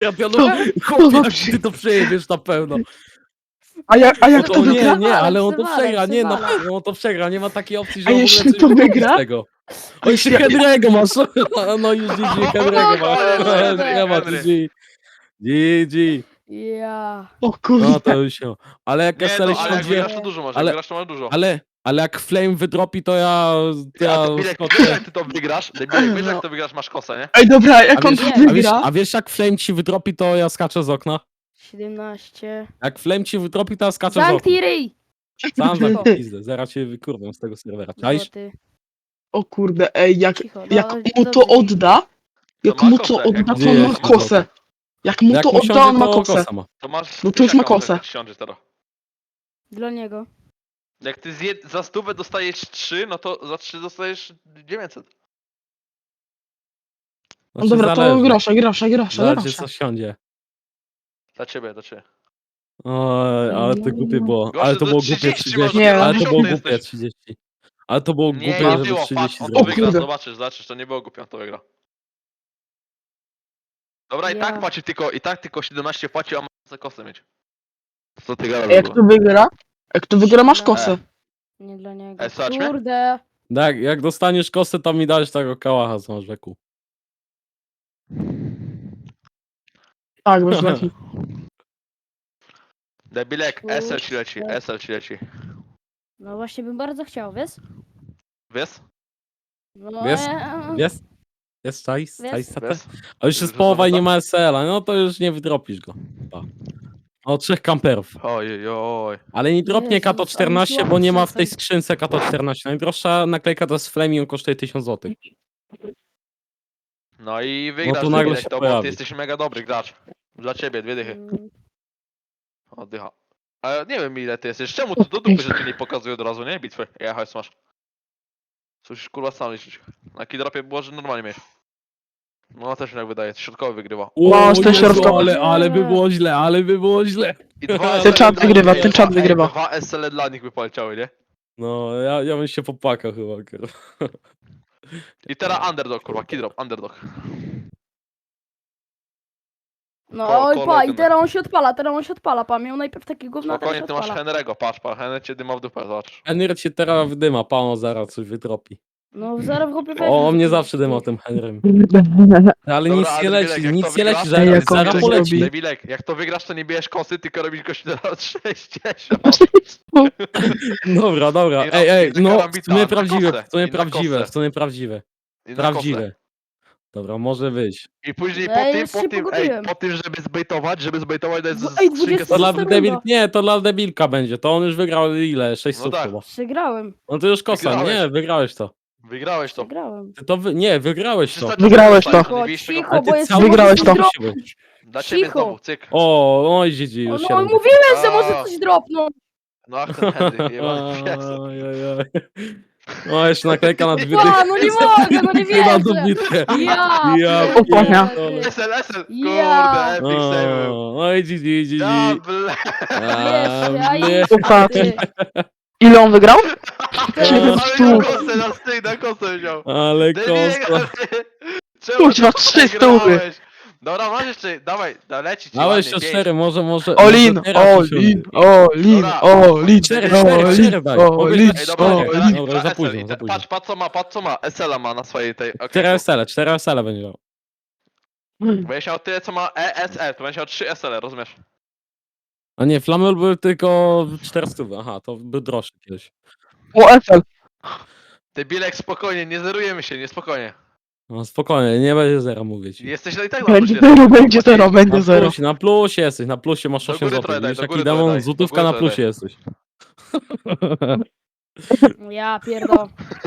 Ja pionuję, chłopie, jak ty to przejebiesz na pełno. A jak To to nie, wygra? nie, ale on to Przewalę, przegra, nie, na przewalę. pewno on to przegra, nie ma takiej opcji, że A on w ogóle jeśli coś to wyrobi wygra? z tego. O, jeszcze Henry'ego masz, no już GG, Henry'ego masz, kurde. nie ma GG. GG. Ja. O No kurde. to już się. Ale jak Nie, SL no, ale jak siądzie, wygrasz to dużo masz, jak ale- wygrasz to masz dużo. ale jak Flame wydropi, to ja A to Bilek, wiesz skoczę. jak ty to wygrasz? Bilek, wiesz jak to wygrasz, masz kosę, nie? Ej, dobra, A jak on wiesz, to a wygra? a wiesz jak Flame ci wydropi, to ja skaczę z okna? 17. Jak Flame ci wydropi, to ja skaczę z okna. Zamknij ryj! Sam za Cicho. pizdę, zaraz cię wykurwam z tego serwera. Czaisz? Złoty. O kurde, ej, Cicho, jak no, mu to dobrze. odda, jak To ma mu to kosę, odda, jak to Gdzie on ma jest kosę. Jak mu Jak to mu odda, siądzie, on ma to kosę. kosa ma. To masz... No to już ma tysiaka, kosę. jak siądziesz teraz. Dla niego. Jak ty za 100 dostajesz 3, no to za 3 dostajesz 900. No dobra, to zależy. grosze. Zależy co siądzie. Dla ciebie, dla ciebie. Oj, ale to głupie było. Gościu, Ale to to było głupie 30 30. masz, Nie, Ale to było 50 głupie jesteś. 30. Ale to było Nie, głupie, nie żeby było, 30 patrz, on to zrobić. wygra, kurde. zobaczysz, to nie było głupio, on to wygra. Dobra, i Ja. tak płaci tylko 17 płaci, a ma za kosę mieć. Co ty Ej, gadasz? jak to wygra? Jak to wygra, masz No. kosę. Nie dla niego. Słuchaj mnie? Kurde. Tak, jak dostaniesz kosę, to mi dajesz tego kałacha z rzeku. Tak, bez leki. Debilek, SL ci leci, SL ci leci. No właśnie bym bardzo chciał, wiesz? Wiesz? No, Wiesz? Jest? Jest czaisz? Wiesz? Czaisz satę? Wiesz? A już jest Że połowa i co, nie ma SL-a, no to już nie wydropisz go. Pa. O, 3 kamperów. Oj. Ale nie dropnie Jezus, Kato 14, bo nie ma w tej przestań. skrzynce Kato 14. Najdroższa naklejka to jest Flame i on kosztuje 1000 zł. No i wygrasz, tu nagle Debilek, się to bo pojawi. ty jesteś mega dobry gracz. Dla ciebie, 2 dychy. Oddycha. Ale nie wiem ile ty jesteś. Czemu to do dupy, że ci nie pokazuje od razu, nie? Bitwy. Ja hajs masz. Coś kurwa sam liczyć. Na kidropie było, że normalnie mieć. No też mi tak wydaje, środkowy wygrywa. No, O, z tym Jezu, środkowym. ale by było źle, ale by było źle. I dwa Ten czat SL wygrywa, dla ten nich, czat ej, wygrywa. 2 SL dla nich by poleciały, nie? No, ja bym się popłakał chyba, kurwa. I teraz underdog, kurwa, kidrop, underdog. No Ko- oj pa, i kolegę. teraz on się odpala, pa, miał najpierw taki gówno, a teraz się Spokojnie, ty masz odpala. Henry'ego, patrz, Henry cię dyma w dupę, zobacz. Henry cię teraz wydyma, pano zaraz coś wytropi. No zaraz w chłopie O, weźmie mnie taki- zawsze dyma tym Henrym. Ale Dobra, nic ale nie Debilek, leci, jak to nic nie leci, wygrasz, Ej, zaraz, jak on zaraz coś poleci. robi. Debilek, jak to wygrasz, to nie bierzesz kosy, tylko robisz gości na 60. Dobra. I Ej, robisz no, karambita, w sumie na prawdziwe, kosę, w sumie i na prawdziwe, kosę. w sumie prawdziwe. I na kosę. Prawdziwe. Dobra, może wyjść. I później No ja po już się tym, pogubiłem. po tym, żeby zbejtować, dać Ej, skrzynkę 20 To dla Zostaw debil... runda. Nie, to dla debilka będzie, to on już wygrał ile? 6 No stów tak. chyba. Przegrałem, No to już kosa, Wygrałeś. nie, wygrałeś to. Wygrałeś to. przegrałem. Ty to nie, wygrałeś to. Wygrałeś to. Cicho, Cicho, cicho, bo jest cały Wygrałeś czas to. musi być. Dla ciebie cicho. znowu, cyk. Oj, GG, No, już no się mówiłem, że może coś dropnąć. No ach, ten Henry, jebany pies. Oj. O, jeszcze naklejka na dwie A, no nie mogę, no nie Chyba wierzę. dobitkę. Ja, Ja Opłania. pierdolę. SL, Ja. kurde, epic save. Oj, GG. Ja, ble. Wiesz, ja nie. i Ufa. ty. Ile on wygrał? Ty. Ale na kosę, na styk, na kosę wziął. Ale Debilega, kosta. ty. Czemu Kuźwa, to 3 przegrałeś? stówy. Dobra, masz jeszcze, dawaj, leci ci Dałeś ładnie, jeszcze pięć. 4, może. Olin, może teraz Olin, usiądzie. Olin, Dobra. Olin, Cztery Olin, daj. Olin, Ej, dobra, Olin. dobra, Dobra, dwa za SL późno, i za późno. Patrz co ma, SL ma na swojej tej, okej. 4 SL będzie miał. Będziesz miał tyle co ma ESL, to będziesz miał 3 SL, rozumiesz? A nie, Flamel był tylko 400. Aha, to był droższy kiedyś. O, FL. Ty Bilek, spokojnie, nie zerujemy się, nie spokojnie. No spokojnie, nie będzie zera, mówię ci. Jesteś no i tak na Będzie plusie. zero, będzie zero, będzie Na zero. plusie, na plusie jesteś, na plusie masz Do 8 góry zł. trochę daj, Widzisz do jaki góry trochę demon, daj, złotówka do na góry plusie trochę jesteś. Ja pierdol.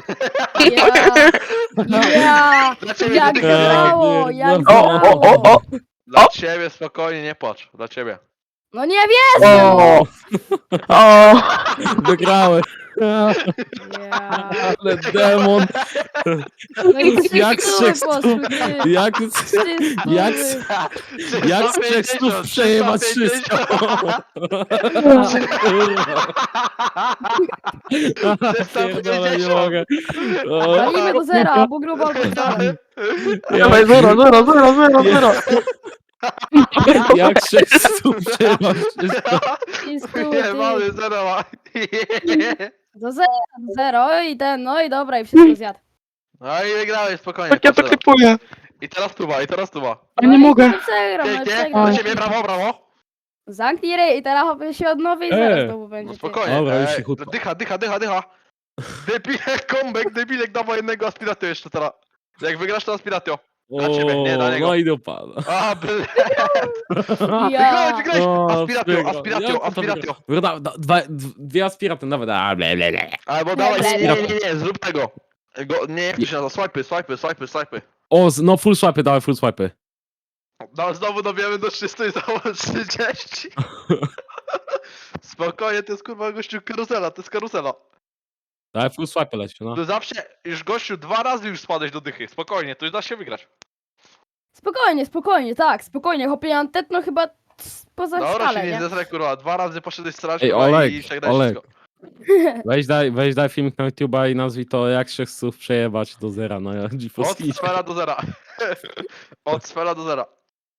Ja. Dla ciebie, Jak Bilek, grało, jak pierdolę. grało. Dla ciebie, spokojnie, nie płacz, dla ciebie. No nie wierzę. O, o, Wygrałeś. Ja. Ale demon. No i trzy Jak stówy z 3 poszły, ty. Jak Trzy jak stówy. jak z 3 stów przejebać 300? Pierdolę, nie mogę. O, Walimy do zera, albo grubo, albo wcale. dawaj, zero, zero, zero, zero, zero. Jak 600 przejebasz wszystko. I stół, Nie, ty. mamy, zero ma. Do zero i ten, no i dobra, i wszystko zjadł. No i wygrałeś, spokojnie. Tak ja to poczekaj. klipuję. I teraz tuba, i teraz tuba. A nie mogę. No przegram, no Pięknie, przegram. do ciebie, brawo, brawo. Zamknij ryj i teraz hopie się odnowi i zaraz E. znowu No będzie. ty. spokojnie. Dobra, już cichutko. Dycha. Debilek, comeback, debilek, dawaj jednego aspiratio jeszcze teraz. Jak wygrasz to aspiratio. Dla ciebie, nie dla niego. No i dupa. A, ble. Ja. Wygrałeś. O, Aspiratio, sprygo. aspiratio, Jak to aspiratio. wygra? Dwie aspiraty nawet. A, ble, ble, ble. Albo dawaj, nie, zrób tego. Nie, jak to się nazywa? Swipy. O, no full swipe, dawaj full swipe. No, znowu dobijamy do 300 i znowu 30. Spokojnie, to jest kurwa gościu karuzela, to jest karuzela. Dawaj full swipe leci, no. To zawsze, już gościu 2 razy już spadłeś do dychy, spokojnie, to już da się wygrać. Spokojnie, tak, spokojnie. Hopie Antetno chyba poza Dobra, skalę, się nie nie? zesraj kurwa, 2 razy poszedłeś strzelać Ej, kurwa Olek, i przegrałeś Olek. wszystko. Weź daj filmik na YouTube'a i nazwij to jak 600 przejebać do zera na Od GeForce. sfera do zera. Od sfera do zera.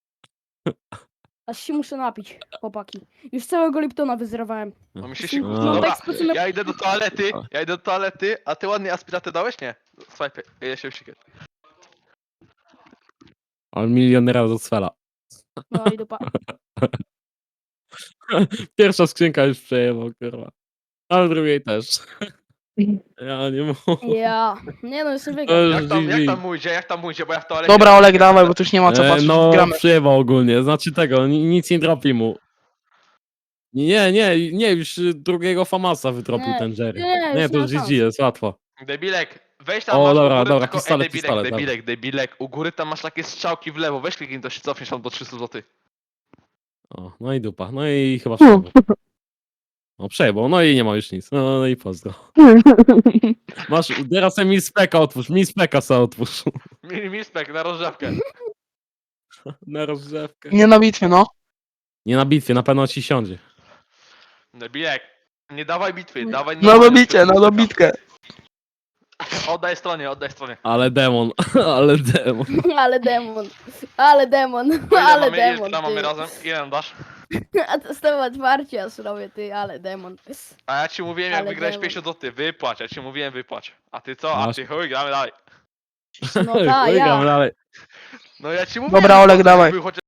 Aż się muszę napić, chłopaki. Już całego Liptona wyzerowałem. No mi się No, siku. no, Dobra, tak spoczynek- ja idę do toalety, a ty ładnie aspiratę dałeś? Nie. Swipy, ja się usikę. On milionera do cwela. No i dupa. Pierwsza skrzynka już przejebał, kurwa. Ale drugiej też. Ja nie mogę. Ja. Nie no, jeszcze To wygram. już Jak tam mójdzie, bo ja w toalecie... Dobra, Olek, dawaj, bo tu już nie ma co patrzeć. No, Gramy. przejebał ogólnie. Znaczy tego, nic nie dropi mu. Nie, już drugiego Famasa wytropił Nie, ten Jerry. nie, Nie, już to nie już ma GG szans. jest, łatwo. Debilek, weź tam O, masz dobra, u góry dobra, tylko... pistolet, Debilek, u góry tam masz takie strzałki w lewo, weź kliknij to się cofniesz tam do 300 zł. O, no i dupa. No i chyba przejebał. O, przejebał, no i nie ma już nic. No i pozdro. Masz, teraz mi speka otwórz, mi speka se otwórz. Mispek na rozrzewkę. Na rozgrzewkę. Nie na bitwie, no. Nie na bitwie, na pewno ci siądzie. Debilek, nie dawaj bitwy, dawaj... Na dobicie, na dobitkę. Oddaj stronie. Ale demon, ale demon. Ale demon, ale demon. Ile mamy ty. razem? Ile nam dasz? A to z tobą otwarcie aż robię, ty, ale demon. A ja ci mówiłem, jak Ale wygrałeś demon. 50 zł, wypłać, ja ci mówiłem wypłać. A ty co? A Masz. ty chuj, gramy dalej. No tak, Wygram ja. dalej. No ja ci mówiłem. Dobra, Olek, że dawaj. był chociaż